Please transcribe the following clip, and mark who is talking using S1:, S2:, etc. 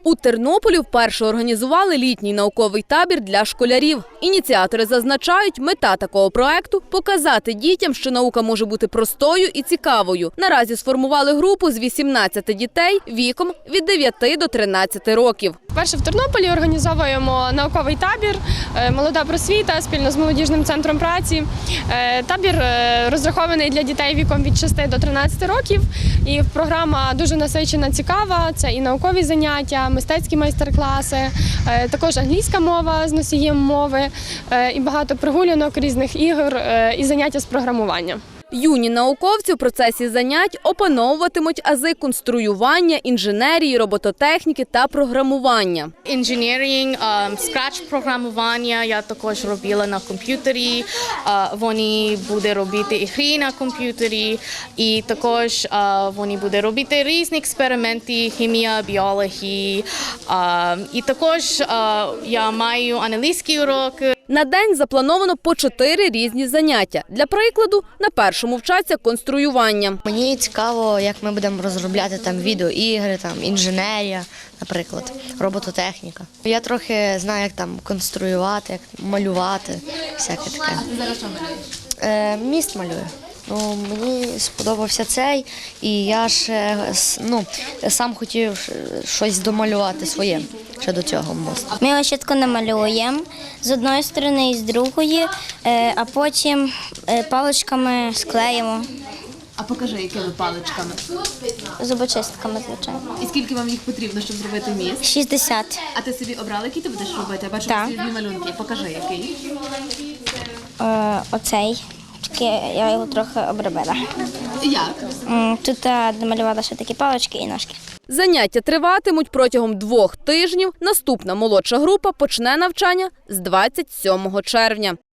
S1: У Тернополі вперше організували літній науковий табір для школярів. Ініціатори зазначають, мета такого проекту – показати дітям, що наука може бути простою і цікавою. Наразі сформували групу з 18 дітей віком від 9 до 13 років.
S2: Вперше в Тернополі організовуємо науковий табір «Молода просвіта» спільно з молодіжним центром праці. Табір розрахований для дітей віком від 6 до 13 років. І програма дуже насичена, цікава. Це і наукові заняття, мистецькі майстер-класи, також англійська мова з носієм мови, і багато прогулянок, різних ігор і заняття з програмування.
S1: Юні науковці в процесі занять опановуватимуть ази конструювання, інженерії, робототехніки та програмування.
S3: Engineering, Scratch-програмування я також робила на комп'ютері, вони будуть робити ігри на комп'ютері, і також вони будуть робити різні експерименти, хімія, біологія, і також я маю англійський урок.
S1: На день заплановано по 4 різні заняття. Для прикладу, на першому вчаться конструювання.
S4: Мені цікаво, як ми будемо розробляти там відеоігри, там інженерія, наприклад, робототехніка. Я трохи знаю, як там конструювати, як малювати, всяке таке.
S5: Зараз що малюєш?
S4: Міст малюю. Ну, мені сподобався цей, і я ще сам хотів щось домалювати своє ще до цього мосту.
S6: Ми його чітко намалюємо з одної сторони і з другої, а потім паличками склеїмо.
S5: А покажи, якими паличками.
S6: Зубочистками, звичайно.
S5: І скільки вам їх потрібно, щоб зробити міст?
S6: 60.
S5: А ти собі обрала, який ти будеш робити? Я бачу,
S6: Так.
S5: ці дві малюнки. Покажи, який.
S6: Оцей. Тільки я його трохи обробила.
S5: Як?
S6: Тут намалювала ще такі палички і ножки.
S1: Заняття триватимуть протягом 2 тижнів. Наступна молодша група почне навчання з 27 червня.